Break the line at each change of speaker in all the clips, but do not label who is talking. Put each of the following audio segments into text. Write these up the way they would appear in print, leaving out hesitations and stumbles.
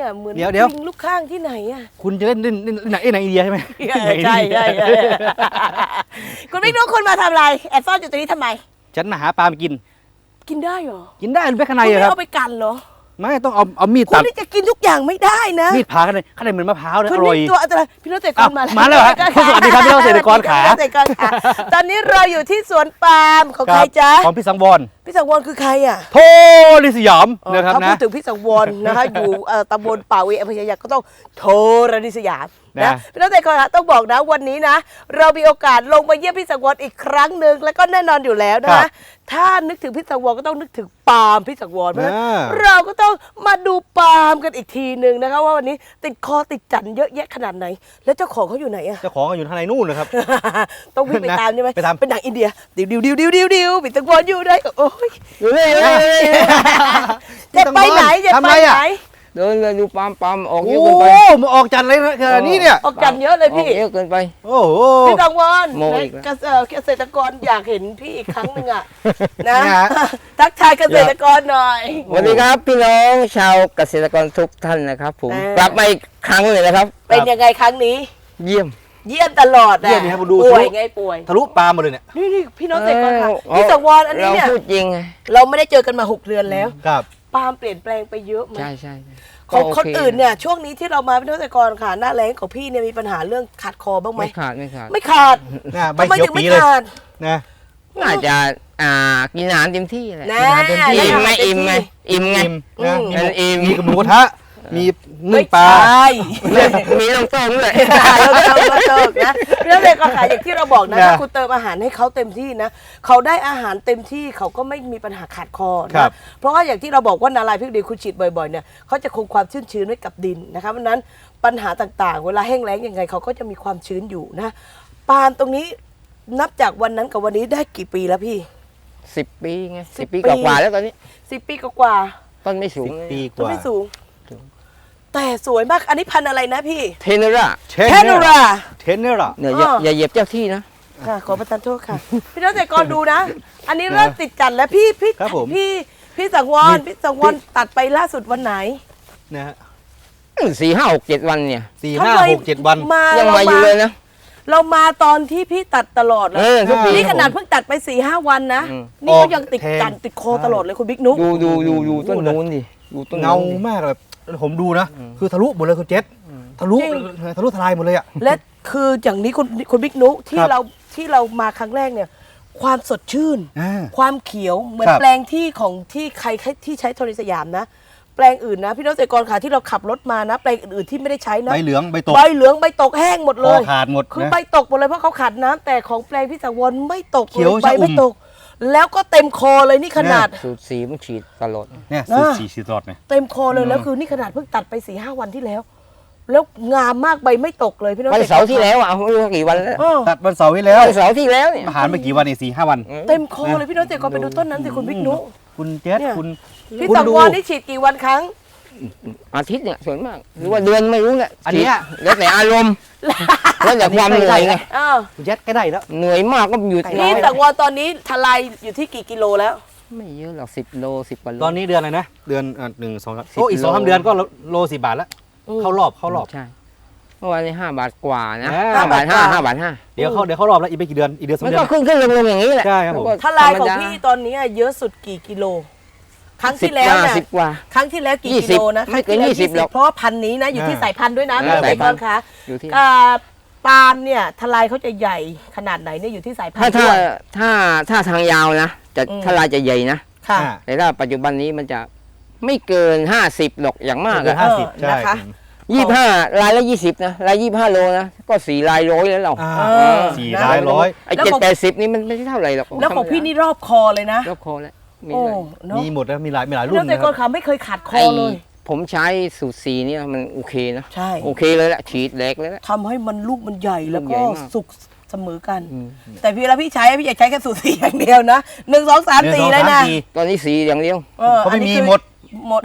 เหมือน
เดี๋ยว
ลิงลูกข้างที่ไหนอ่ะ
คุณจะเล่นหนังอินเดียใช่ไหม
ใช่คุณบิ๊กนุ๊กคุณมาทำอะไรแอบซ่อนอยู่ตรงนี้ทำไม
ฉันมาหาปลามากิน
กินได้เหรอ
กินได้หรือไม่ข้างใน
คุณ
อะ
ไม่
ครับ
เอาไปกันเหรอ
ไม่ต้องเอามีด
คุ
ตั
ณ
ด
นี่จะกินทุกอย่างไม่ได้นะ
มีดผ่าข้างในเหมือนมะพร้าวเลย
คุ
อ
ณ
ร่อย
นี่ตัวอันตรายพี่น้องเกษตรกรมาแล้ว
มาแล้วเหรอสวัสดีครับพี่น้องเกษตรกรขา
พี่น้องเกษตรกรขาตอนนี้เราอยู่ที่สวนปาล์มของใครจ๊ะ
ของพี่สังวร
พี่สังวรคือใครอ่ะ
โทลิสยามนะครับ
ถ้าพู
นะ
ดถึงพี่สังวรนะคะ อยู่ตำบลป่าเวอำเภอยะก็ต้องโทรนิสยามนะ
นะ
พี่น้องเกษตรกรขาต้องบอกนะวันนี้นะ เรามีโอกาสลงมาเยี่ยมพี่สังวรอีกครั้งหนึ่งแล้วก็แน่นอนอยู่แล้วนะคะถ้านึกถึงพี่สังวรก็ต้องนึกถึงปาล์มพี่สังวรเพราะฉะนั้นเราก็ต้องมาดูปาล์มกันอีกทีหนึ่งนะคะว่าวันนี้ติดคอติดจันเยอะแยะขนาดไหน แล้วเจ้าของเขาอยู่ไหนอะ
เจ้าของอยู่ทางในนู่นนะครับ
ต้องวิ่งไปตามใช่ไหม
ไปตาม
เป็นหนังอินเดียดิวพี่สังวรอยู่ได้โอ้ย
อยู่นี่
จะไปไหนจะ
ทำ
ไป
ไรอะ
ไหน
เดินเลยดูปั๊มออกเย
โอ้
อะเกินไป
มาออกจันเลยนะขนาดนี้เนี่ย
ออกจันเยอะเลย
ออก
พี่
เยอะเกินไป
โอ้โห
พี่สังวร
โมอีกแล้ว
เกษตรกรอยากเห็นพี่อีกครั้งหนึ่งอะนะ
นะฮะ
ทักทายเกษตรกรหน่อย
สวัสดีครับพี่น้องชาวเกษตรกรทุกท่านนะครับผม
อ่า
กลับมาอีกครั้งเลยนะครับ
เป็นยังไงครั้งนี้
เยี่ยม
เยี่ยมตลอด
เยี่ยมนี่ครับดู
ป่วย
ทะลุ
ไงป่วย
ทะลุปลาหมดเลยเนี่ย
นี่พี่น้องเกษตรกรค่ะ
เออ
พี่สังวรอันนี้เนี่ย
เราพูดจริงไง
เราไม่ได้เจอกันมา6 เดือนแล้ว
ครับ
ปาล์มเปลี่ยนแปลงไปเยอะไหม
ใช่
ของ
ก็โ
คนอื่นเนี่ยช่วงนี้ที่เรามาพี่น้องเกษตรกรค่ะหน้าแรงของพี่เนี่ยมีปัญหาเรื่องขาดคอบ้างไหม
ไม่ขาด
ไม่ขาด
น่าใบ
ทำไม
เขียว
ถึง
ปี
ไม่
เลย
ขาด
นะ
น่าจะกินอาหารเต็มที่แหละ
นะ
กินอาหารเต็มที่
ได้
อิ่มไหม
อาหารเต็ม
อิ่มไหม
ที่
อิ่มไง
นะ
อืม
มี
อิ่ม
มีกับหมูกระทะมีนึ่งปลา
ไม่ใช่
มีน้ำต้มด้วย
เราเติมนะพี่น้องเกษตรกรค่ะอย่างที่เราบอกนะ
นะ
ถ้าคุณเติมอาหารให้เขาเต็มที่นะเขาได้อาหารเต็มที่เขาก็ไม่มีปัญหาขาดคอ
ครั
นะ
บ
เพราะว่าอย่างที่เราบอกว่านาลายพริกดีคุณฉีดบ่อยๆเนี่ยเขาจะคงความชื้นไว้กับดินนะคะเพราะฉะนั้นปัญหาต่างๆ เวลาแห้งแล้งยังไงเขาก็จะมีความชื้นอยู่นะปาล์มตรงนี้นับจากวันนั้นกับวันนี้ได้กี่ปีแล้วพี่
10 ปีไง
10
10 ปีกว่าๆแล้วตอนนี้
10 ปีกว่า
ต้นไม่สูง
10 ปีก
ต้น
ว่า
ไม่สูง แต่สวยมากอันนี้พันธุ์อะไรนะพี่
เทเนอร่า
เท
เท
น
น
เนอร์
รา
เทนเนอร์
เนี่ย
อ๋ออ
อย่าเหยียบเจ้าที่นะ
ค่ะขอประทานโทษค่ะ พี่น้องเกษตรกรดูนะ อันนี้เริ่มติดจันทร์แล้วพี่
ครับผม
พี่สังวรพี่สังวรตัดไปล่าสุดวันไหน
นะฮะ
4 5 6 7 วันเนี่ย
4
ทำ
5
ไม
6 7 วัน
มา
ยังมาอยู่เลยนะ
เรามาตอนที่พี่ตัดตลอดเลย
ทุกปี
นี่ขนาดเพิ่งตัดไป4-5 วันนะ
อืม
นี่ก็ยังติดจันทร์ติดคอตลอดเลยคุณบิ๊กนุ๊ก
ดูต้นนู้นดิดูต้น
เงา
นู้นดิ
มากแบบผมดูนะ คือทะลุหมดเลยคุณเจษทะลุ
จริง
ทะลุทลายหมดเลยอ่ะ
และคืออย่างนี้คุณบิ๊กนุ๊กที่
ครับ
เรามาครั้งแรกเนี่ย ความสดชื่น
อ่า
ความเขียวเหมือน
ครับ
แปลงที่ของที่ใครที่ใช้โทรสยามนะ แปลงอื่นนะพี่น้องเกษตรกรค่ะที่เราขับรถมานะ แปลงอื่นๆที่ไม่ได้ใช้นะ
ใบเหลืองใบตก
ใบเหลืองใบตกแห้งหมด
ค
เล
อย ขาดหมด
คือ
นะ
ใบตกหมดเลยเพราะเขาขาดน้ำแต่ของแปลงพี่สังวรไม่ตก
เขียว
ลใบ
ชะอุ่ม
ไม่ตก แล้วก็เต็มคอเลยนี่ขนาด
สูตรสีมันฉีดตลอด
เนี่ย
นะ
สีตลอดเนี่ย
เต็มคอเลยแล้วคือนี่ขนาดเพิ่งตัดไป4-5 วันที่แล้ว แล้วงามมากใบไม่ตกเลยพี่น้อง
วัน
กษตรกร
เสาร์ที่แล้วอ่ะไม่รู้กี่วันแล้ว
เออ
ตัดวันเสาร์ไว้แล้ว
วันเสาร์ที่แล้วเนี่ย
อาหารไปกี่วันเนี่ย4-5 วัน
เต็มคอเลยพี่น้องเกษตรกรไปดูต้นนั้นสิคุณบิ๊กนุ
คุณเจษ
เนี่ย
คุณ
พี่
คุณ
สัง
ดู
วรนี่ฉีดกี่วันครั้ง
อาทิตย์เนี่ยส่วนมากหรือว่าเดือนไม่รู้แหละ
อันเนี้ย
แล้วแต่อารมณ์แล้วแต่ความเหนื่อยไง
เออ
คุณเจษใกล้ได้แล้ว
เหนื่อยมากก็หยุด
พี่สังวรตอนนี้ทลายอยู่ที่กี่กิโลแล้ว
ไม่เยอะหรอก10 โล 10กว่าโล
ตอนนี้เดือนอะไรนะ เดือน1 2 3
10
โอ้อีก
โล
2-3 เดือนก็โล10 บาทแล้ว
อืม
เข้ารอบ
ใช่เมื่อวานนี้5 บาทกว่านะ
อ่า
5 บาท
5
5 5 บาท
เดี๋ยวเข้ารอบแล้วอีกไม่กี่เดือนอีกเดือน
5
2
มัน
เดือ
ก็
น
ขึ้นลงอย่างนี้แหละ
ใช่ครับผม
แล้วก็
ทลายของ
ธรรมด
พี่ตอนนี้เยอะสุดกี่กิโล ครั้ง
สิ
ที่
บ
แล้ว
กว่า
เนี่ย
10 กว่า
ครั้งที่แล้วกี่
20
กิโลนะ
ไม่เกิน
ครั้งที่แล้ว
20หรอก
เพราะว่าพันธุ์นี้นะอยู่ที่สายพันธุ์ด้วยนะ
อ่า
พี่เกษตรกรคะ
อยู่ที่
ปาล์มเนี่ยทลายเขาจะใหญ่ขนาดไหนเนี่ยอยู่ที่สายพัน
ถ้า
ธุ์ด้วย
ถ้าทางยาวนะจะ
อืม
ถ้าลายจะใหญ่นะ
ค่ะ
อ่า
แต่ถ้าปัจจุบันนี้มันจะไม่เกิน50หรอกอย่างมาก
เกิน
อะ
50 ใช่
นะคะ
25 ลายละ 20นะลาย25 โลนะก็4 ลายร้อยแล้วเรา
อ่า
เออ
400
ไอ้
แล้ว
7
ของ
80นี่มันไม่ใช่เท่าไหร่หรอก
แล้วของพี่นี่รอบคอเลยนะ
รอบคอแล้วมี
โอ้
เลย
เนาะ
มีหมดแล้วมีหลาย
พี่
รุ่
เก
น
ษตร
นะ
ก
ค
ร
รับ
ขาไม่เคยขาดคอเลย
ผมใช้สูตรสีเนี่ยมันโอเคนะ
ใช่
โอเคเลยแหละฉีดแหลกเลยแหละ
ทำให้มันลูกมันใหญ่แล้ว
ลูก
ก็
ใหญ่มาก
สุกเสมอกัน
อืม
แต่พี่แล้วพี่ใช้พี่อยากใช้แค่สูตรสีอย่างเดียวนะ1 2 3 4เลยนะ
ตอนนี้สีอย่างเดียว
เออ
เขาไม่
อันนี้
มี
คือ
หมด
หมด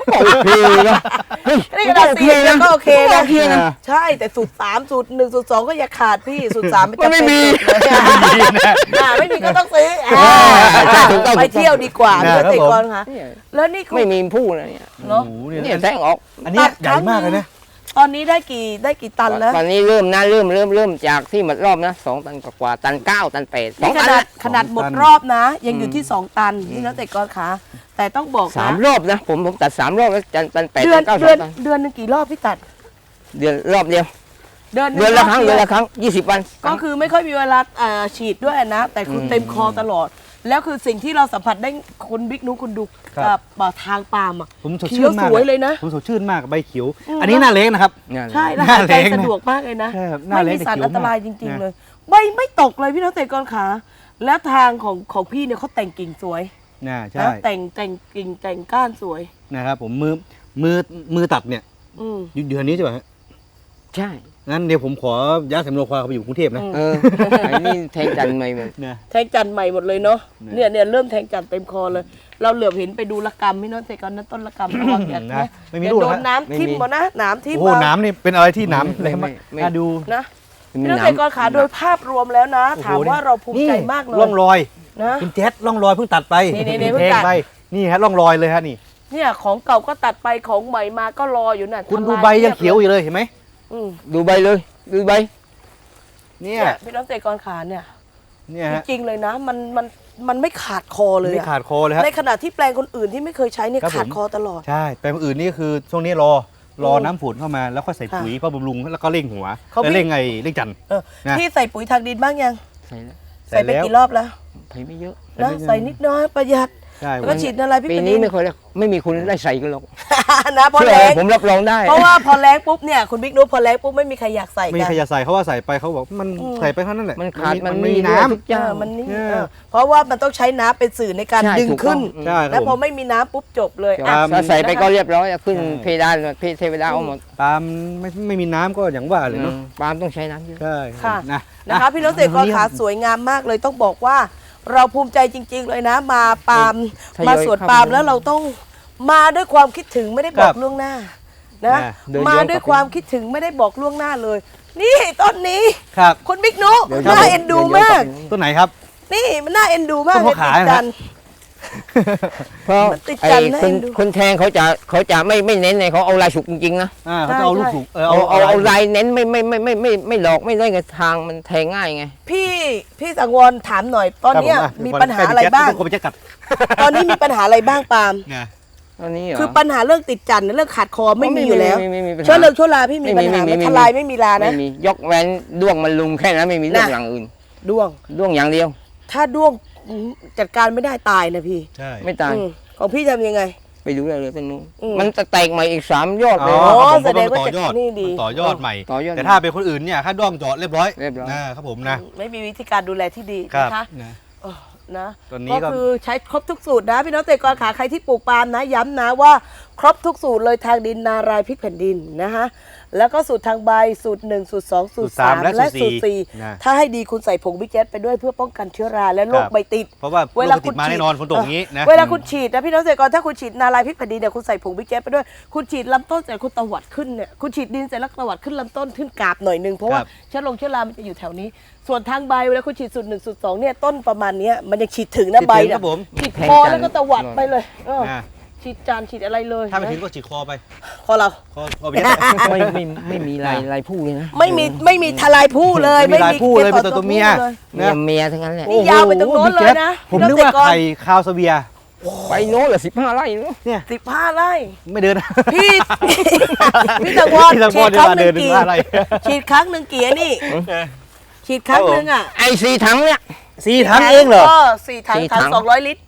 โอเคนะเฮ้ย
นี่ขนาดสี่แล้วก็โอเคนะ
โอเคนะ
ใช่แต่สูตร3สูตร1สูตร2ก็อย่าขาดพี่สูตร3ไม่จำเป็น
ไม่มี
ไม่มีก็ต้องซื้อ
ถูกต้อง
ไปเที่ยวดีกว่า
นะ
เพื่อ
ครับ
เตะ
ผม
กอนค่ะแล้วนี่คุณ
ไม่มีผู้นะเนี่ย
เนาะ
โอ้โหเนี่ย
เนี่ยแทงออก
อันนี้ใหญ่มากเลยนะ
ตอนนี้ได้กี่ตันแล้ว
ตอนนี้เริ่มจากที่หมดรอบนะ2 ตันกว่าตัน 9 ตัน 8
นี่
2
ข
ตัน
นาด
นะ
ขนาดหมดรอบนะ ยังอยู่ที่ 2 ตันนี่นะเตะกอนค่ะแต่ต้องบอก
สาม
นะ
รอบนะผมตัด3 รอบแล้วตัน 8
เดือ
ตั
น
น 9
เดือน
ตัน
เดือนหนึงกี่รอบพี่ตัด
เดือนรอบเดียว
เดือนหนึ่
เดือนละครั้ง
บ
เดือนละครั้ง20 วัน
ก็คือไม่ค่อยมีเวลาฉีดด้วยนะ แต่คุณเต็มคอตลอด แล้วคือสิ่งที่เราสัมผัสได้คุณบิ๊กนุคุณดู
ครับ
ทางปาล์มอ่ะ
ผมสด
เขี
ชื่
ยวน
มาก
สวยเลยนะ
ผมสดชื่นมากใบเขียว อันนี้หน้าเล็กนะครับ
ใช่แล้ว
หน้า
หายใจ
เล็กนะ
สะดวกมากเลยนะ
ใช่ครับหน้า
ไม่
เล็ก
มีสาร
แต่เขียว
อันตราย
มาก
จริง
นะ
ๆเลยใบไม่ตกเลยพี่น้องเตะกอนขาแล้วทางของพี่เนี่ยเขาแต่งกิ่งสวย
ใช่
นะแต่งกิ่งแต่งก้านสวย
นะครับผมมือตัดเนี่ย
อืม
เดือนนี้ใช่ไหมฮะ
ใช่
งั้นเดี๋ยวผมขอย้ายสำโรงควายเขาไปอยู่กรุงเทพนะ
ไอ้นี่แทงจันทร์ใหม่เหมือน
นะ
แทงจันทร์ใหม่หมดเลยเนาะ
เนี่ย
เนี่ยเริ่มแทงจันทร์เต็มคอเลย เราเหลือบเห็นไปดูละกรรมพี่น้องเตะกอนนั้นต้นละกรรมระวังอย่า
นะไม่มี
อย่า
ลูก
โด
แล้ว
น
ฮะ
น้ำทิ่มมานะน้ำทิ่ม
โอ้โห
มา
น้ำนี่เป็นอะไรที่น้ำเลยมากน่าดู
นะ
มี
พี่น้อง
น้
เตะกอนขาโดยภาพรวมแล้วนะ
โอ้โห
ถามว่าเราภูมิใจมากเลย
ร่องรอย
นะ
คุณแจ๊ดร่องรอยเพิ่งตัดไป
นี่เพิ่งตัด
ไปนี่ฮะร่องรอยเลยฮะนี่
เนี่ยของเก่าก็ตัดไปของใหม่มาก็รออยู่น่ะ
คุณ
ทำ
ดู
ลา
ใบยังเขียวอยู่เลยเห็นไหม
อืม
ำดูใบเลยดูใบ
เนี่ย
เนี่ยพี่น้องเตะกอนขาเนี่ย
เนี่ยฮะ
จริงๆเลยนะมันไม่ขาดคอเลย
ไม่
อะ
ขาดคอเลยฮะ
ในขณะที่แปลงคนอื่นที่ไม่เคยใช้เนี่ย
ครับผม
ขาดคอตลอด
ใช่แปลงอื่นนี่คือช่วงนี้รอน้ำฝนเข้ามาแล้วก็ใส่ปุ๋ยเพื่อบำรุงแล้วก็เร่งหัว
เขา
แล้วเร่งจันทร์
เออ
นะ
พี่ใส่ปุ๋ยทางดินบ้างยัง
ใส่แล้ว
ใส่
ใส่ไป
แล้ว
กี่รอบแล้ว
ใส่ไม่เยอะ
นะใส่นิดน้อยประหยัด
ใช่
แล้วก็ฉีดอะไรพี่
ปี
ป
นี้
นิ
ไม่ค่อยแล้วไม่มีคนได้ใส่กันหรอก
นะพอ
เชื่อ
แรง
ผมรับรองได้
เพราะว่าพอแรงปุ๊บเนี่ยคุณบิ๊กนุ๊พอแรงปุ๊บไม่มีใครอยากใส่
ไม่มี
กัน
ใครจะใส่เขาว่าใส่ไปเขาบอกมัน
อืม
ใส่ไปเท่านั้นแหละ
มันขาดมัน
ไม่มี
ด้วย
น้ำ
ทุกอย่าง
มันนี่
เนี่ย
เพราะว่ามันต้องใช้น้ำเป็นสื่อในการ
ใช่
ดึง
ถูกต้อง
ขึ้น
ใช่ค
แล้
รั
ว
บ
พ
ผ
อ
ม
ไม่มีน้ำปุ๊บจบเลย
ครั
อ่ะ
บ
ถ้าใส่ไปก็เรียบร้อยขึ้น
ใช่
เพดานเทวดาเอาหมด
ปาล์มไม่มีน้ำก็อย่างว่าเลยเนาะ
ปาล์มต้องใช้น้ำเยอะ
ใช่
ค่ะ
นะ
นะคะพี่น้องเตะกอนขาสวยงามมากเลยต้องบอกว่า เราภูมิใจจริง ๆ เลยนะ มาปาล์ม
ทยอย
มาสวน
เข้า
ปาล์ม
ไป
แล้วเราต้องมาด้วยความคิดถึงไม่ได้บอกล่วงหน้านะ
เดินย้อน
มาด้วยความคิดถึงไม่ได้บอกล่วงหน้าเลย นี่ต้นนี้
ครับ
คุณบิ๊กนุ
เดี๋ยว
น่าเอ็นดูมาก
ต้นไหนครับ
นี่มันน่าเอ็นดูมาก
ต้นมะขาม
ติดจันทร์
เพราะ
มันติด
ไอ้
กันนะ
คน
เอ็นดู
คนแทงเขาจะไม่เน้นในเขาเอาลายฉุกจริงๆนะ
เขาจะเอาลูกสุก
เอาลายเน้นไม่หลอกไม่ได้ไงทางมันแทงง่ายไง
พี่สังวรถามหน่อย ตอนเนี้ยมีปัญหาอะไรบ้าง
ผมจะกัด
ตอนนี้มีปัญหาอะไรบ้างปาล์ม
เนี่ย
ตอนนี้เหรอ
คือปัญหาเรื่องติดจันทร์เรื่องขาดคอไม่มีอยู่แล้ว
ไม่มีปัญหา
เชื้อเรื่องชั่วราพี่มีปัญหาไหม
ไม่มี
ทลายไม่มีลานะ
ไม่มียกแว้นด้วงมันลุมแค่นั้นไม่มีเรื่อง
น่ะ
อย่างอื่น
ด้วง
ด้วงอย่างเดียว
ถ้าด้วงจัดการไม่ได้ตายนะพี่
ใช่
ไม่ตาย
ของพี่ทำยังไง
ไปดูได้เลยต้นนู้น
อืม
มันจะแตกใหม่อีก3 ยอดเลย
อ๋อ
ครับผม
แสดงว่า
ต่อยอด
นี่ดี
ต่อยอดใหม่
ต่อยอด
แต่ถ้าเป็นคนอื่นเนี่ยค่าด้วงเจาะเรียบร้อย
เรียบร้อย
นะครับผมนะ
ไม่มีวิธีการดูแลที่ดี
ครับ
นะคะ
นะ
เออนะ
ตอนนี้ก็
ก็คือใช้ครบทุกสูตรนะพี่น้องเกษตรกรขาใครที่ปลูกปาล์มนะย้ำนะว่าครบทุกสูตรเลยทางดินนารายพริกแผ่นดินนะคะแล้วก็สูตรทางใบสูตร1สูตร2สูตร3และสูตร
นะ
4ถ้าให้ดีคุณใส่ผงบิ๊กแจ๊ไปด้วยเพื่อป้องกันเชื้อราและโรคใบติด
เพราะว่า
เวลา
โรคติดมาแน่นอนฝนตกอย่างนี้นะ
เวลาคุณฉีดนะพี่น้องเกษตรกรถ้าคุณฉีดนารายพริกแผ่นดินเนี่ยคุณใส่ผงบิ๊กแจ๊ไปด้วยคุณฉีดลำต้นเสร็จคุณตวัดขึ้นเนี่ยคุณฉีดดินเสร็จแล้วตวัดขึ้นลำต้นขึ้นกาบหน่อยนึงเพราะว่าเชื้อรามันจะอยู่แถวนี้ ส่วนทางใบเวลาคุณฉีดสูตร1สูตร2เนี่ยต้นประมาณเนี้ยมันยังฉีดถึงนะใบ
ค
เนี่
รั
ย
บผม
ฉีดคอแล้วก็ตวัดไปเลย
นะ
ฉีดจานฉีดอะไรเลย
ถ้าไม่ถึงก็ฉีดคอไป
คอเรา
คอไปเยอะ
ไม่มีลายผู้เลยนะ
ไม่มีทลายผู้เลย
ไม่มีลายผู้เลยเป็นตัวเมีย
ล
เมียทั้งนั้นแหละ
นี่ยาวไปตรงโน้นเลยนะ
ผมนึกว่าไข่คาวสเวีย
ไปโน้นเหรอ15 ไร่เนอะ
เนี่ย
15 ไร่
ไม่เดิน
พี่พี่ตะวอน
พี่ตะ
ฉี
วอ
ด
น
ครั้งห
เดิ
นึ่
น
ง
15
กี่
ไร่
ฉีดครั้งหนึ่งกี่นี่ฉีดครั้งหนึ่งอ่ะ
ไอ้4 ถังเนี่ย
4 ถังเองเหรอ
4 ถัง
4 ถั
ถัง
ง
200 ลิตร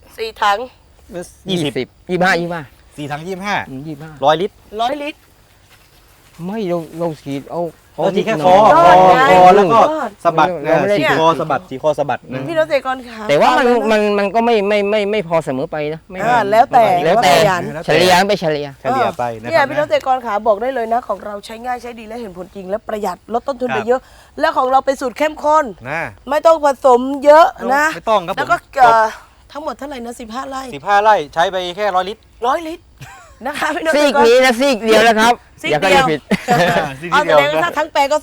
4 ถัง
20
25
4 ถัง 25
25
100 ลิตร
100 ลิตร
ไม่เราฉีดเอา
เอาทีแค่
นิด
ค
ห
อ
น่ย
คอแล้วก็
ยอด
สะบัด
เราไม่ได้
ฉีดคอสะบัดฉีดคอสะบัดนะ
พี่น้องเกษตรกรขา
แต่ว่ามันก็ไม่พอเสมอไปนะไม่
แล้วแต่
แล้วแต่
ขยัน
เฉลี่ยไปเฉลี่ย
เฉลี่ยไปนะค
เนี่ย
รับ
พี่น้องเกษตรกรขาบอกได้เลยนะ ของเราใช้ง่ายใช้ดีและเห็นผลจริงและประหยัดลดต้นทุน
ครับ
ไปเยอะ และของเราเป็นสูตรเข้มข้น
นะ
ไม่ต้องผสมเยอะนะ
ไม่ต้องครับผม
แล้วก็ทั้งหมดเท่าไหร่นะ15 ไร่
15 ไร่ใช้ไปแค่100 ลิตร
100 ลิตรนะคะพี่น้อง
ซี
เกษตรกร
กนี้นะซีกเดียวแล้วครับ
ซีก
อย่าเข้า
เดี
ใจ
ยว
ผิด
เอาแสดงว่าถ้าทั้งแปลงก็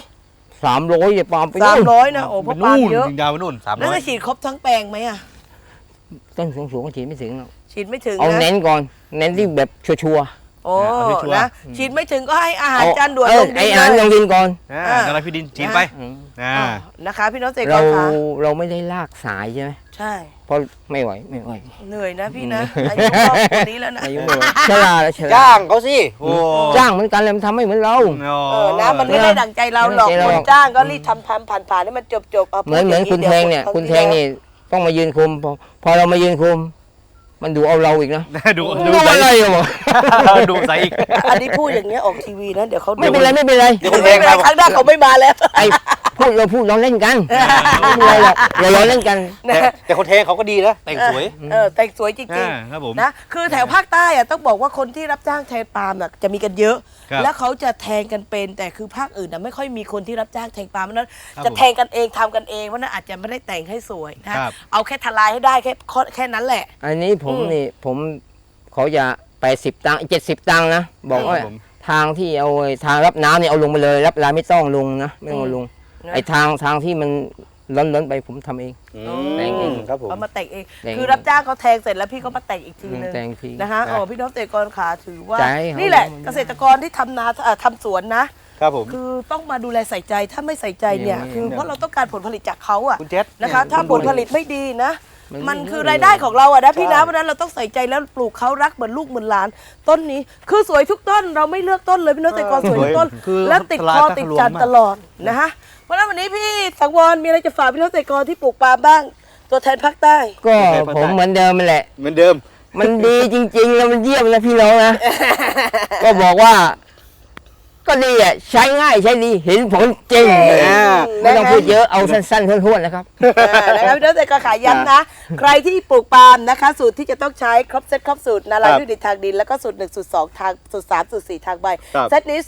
200
300อย่าปลอมไปนู่น
300นะโอ้เพราะปาล์มเยอะ
ยิงดาวไปนู่น
แล้ว
300
จะฉีดครบทั้งแปลงไหมอ่ะ
ต้นสูงๆก็ฉีดไม่ถึงหรอก
ฉีดไม่ถึง
เอา
นะ
เน้นก่อน เน้นที่แบบชัวร์
โอ้
เอาชัวร์
นะฉีดไม่ถึงก็ให้อา
ๆ
หารจานด่วน
เอ
ล
อง
ดิ
ไอ้
น
อาหาร
เล
ล
ย
งดินก่อน
กระไรพี่ดินฉีดไป
อืม
นะคะพี่น้องเกษตรก
เรา
รคะ
เราไม่ได้ลากสายใช่ไหม
ใช่
เพราะไม่ไหว
เหนื่อยนะพี่นะอายุครอบครัวนี้แล้วนะ
อายุไม่ไหวชราแล้วชรา
จ้างเขาสิโอ้
จ้างเหมือนกันเลยมันทำไม่เหมือนเรา
นะมันไม่ได้ดั่งใจเราหรอก
ไม่ได้
ค
หร
น
อก
จ้างก็รีบทำผ่านให้มันจบเอา
เหมือนคุณแทงเนี่ย คุณแทงนี่ต้องมายืนคุมพอเรามายืนคุม มันดูเอาเราอีกนะ
ดู
ดูอะไรอ่ะบอก
ดูใส่อีก
อันนี้พูดอย่างเงี้ยออกทีวีนะเดี๋ยวเขา
ไม่เป็นไรไม่เป็นไร
เดี๋ยวคุณ
ไม่
แทง
เป็นไร
มา
ครั้งหน้าเขาไม่มาแล้ว
ไอ้พูดเราเล่นกันไม่เป็นไรหรอกเราเล่นกัน
แต่คนแทงเขาก็ดีนะแต่งสวย
แต่งสวยจริง
ครับผม
ๆนะคือแถวภาคใต้อะต้องบอกว่าคนที่รับจ้างแทงปาล์มน่ะจะมีกันเยอะ
ครับ
แล้วเขาจะแทงกันเป็นแต่คือภาคอื่นน่ะไม่ค่อยมีคนที่รับจ้างแทงปาล์มเพราะฉะนั้น
ครับ
จะแทงกันเองทำกันเองเพราะฉะนั้นอาจจะไม่ได้แต่งให้สวยนะครับ เอาแค่ทลายให้ได้แค่นั้นแหละ
อันนี้ผมเขาจะ80 ตังค์70 ตังค์นะบอกว่า
ครับผม
ทางที่เอาไอ้ทางรับน้ำเนี่ยเอาลงไปเลยรับลายไม่ต้องลงนะไม่ต้องเอาลง ไอ้ทางที่มันล้นไปผมทำเอง แต่งเอง
ครับผม
เอามาแต่งเอง
แต่ง
คือรับจ้างเขาแทงเสร็จแล้วพี่ก็มาแต่งอีกทีนึง
แต่งที
นะคะ
นะ
โอ้พี่น้องเกษตรกรขาถือว่า
ใจเขา
นี่แหละ
มัน
เกษตรกรที่ทำนาทำสวนนะ
ครับผม
คือต้องมาดูแลใส่ใจถ้าไม่ใส่ใจเนี่ย
เนี่ย
คือเพราะเราต้องการผลผลิตจากเขาอะ
คุณเจษ
นะคะ ถ้าผลผลิตไม่ดีนะ
มัน
มัน
ไม่
คือ
ได้
รายได้ของเราอะนะพี่นะ
ใช่
เพราะฉะนั้นเราต้องใส่ใจแล้วปลูกเขารักเหมือนลูกเหมือนหลาน ต้นนี้คือสวยทุกต้นเราไม่เลือกต้นเลยพี่น้องเกษตรกรสวยทุกต้น
คือ
แล้วติดคอติดจันทร์
มาก
ตลอดนะคะเพราะฉะนั้นวันนี้พี่สังวรมีอะไรจะฝากพี่น้องเกษตรกรที่ปลูกปาล์มบ้าง ตัวแทนภาคใต้
ก็ผมเหมือนเดิมมันแหละ
เหมือนเดิม
มันดีจริงๆแล้วมันเยี่ยมนะพี่น้องนะ ก็บอกว่า ก็ดีอ่ะใช้ง่ายใช้ดีเห็นผลจริงไม่ต้องพูดเยอะเอาสั้นๆท้วนๆนะครับ
นะครับพี่น้องเกษตรกรขายย้ำนะ ใครที่ปลูกปาล์มนะคะ สูตรที่จะต้องใช้ครบเซตครบสูตรนาลาย
ครับ
พืชดินทางดิน แล้วก็สูตร1สูตร2ทางสูตร3สูตร4ทางใบ
ครับ
เซตนี้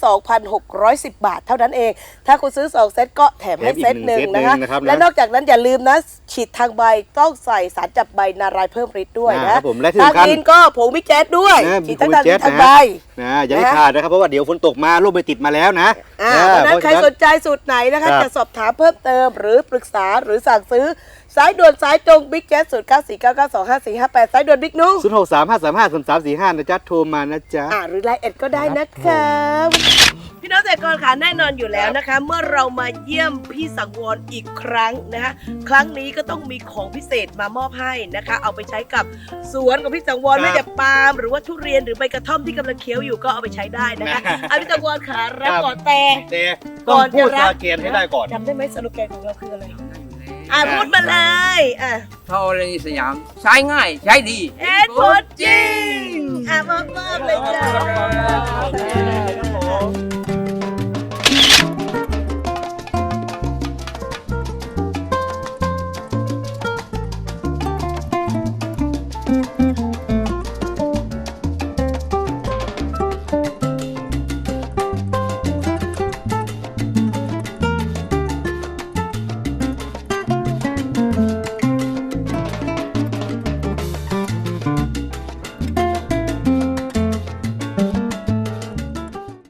2,610 บาทเท่านั้นเอง ถ้าคุณซื้อ 2 เซตก็แถมให้
แถมอีก
เซตหนึ่ง
หนึ่ง
นะคะ
เซตหนึ่งนะครับนะ
และนอกจากนั้นอย่าลืมนะ ฉีดทางใบต้องใส่สารจับใบนารายเพิ่มฤทธิ์ด้วย
ครั
นะ
บผมและที่
ทาง
สำคัญ
ดินก็ผงวิกแจ๊ดด้วย
นะ
ฉีดทั้งทางดิน
ผงวิกแจ๊ด
ทางใบ
นะอย่าได้ขาดนะครับเพราะว่าเดี๋ยวฝนตกมาลูกไปติดมาแล้วนะ
เพราะฉะนั้นใครสนใจสูตรไหนนะคะ
ครับ
จะสอบถามเพิ่มเติมหรือปรึกษาหรือสั่งซื้อ สายด่วนสายตรงบิ๊กแจ๊ส0949925458 สายด่วนบิ๊กนุ๊ก
0635353345นะจ๊ะโทรมานะจ๊ะ
หรือไลน์แอดก็ได้นะคะพี่น้องเกษตรกรค่ะแน่นอนอยู่แล้วนะคะ เมื่อเรามาเยี่ยมพี่สังวรอีกครั้งนะคะครั้งนี้ก็ต้องมีของพิเศษมามอบให้นะคะ เอาไปใช้กับสวนของพี่สังวร
ครับ
ไม่แต่ปาล์มหรือว่าทุเรียนหรือใบกระท่อมที่กำลังเคี้ยวอยู่ก็เอาไปใช้ได้นะคะเอาพี่สังวรค่ะรับก่อนแต่
แต่
ก่
ต้อ
อง น
พูด
จะรับ
สาเกณฑ์ให้ได้ก่อน
จำได้ไหมสโลแกนของเราคืออะไรพูดมาเลย
ธรณีสยามใช้ง่ายใช้ดี
เอ็ดผลจริงมอบเลยจ้า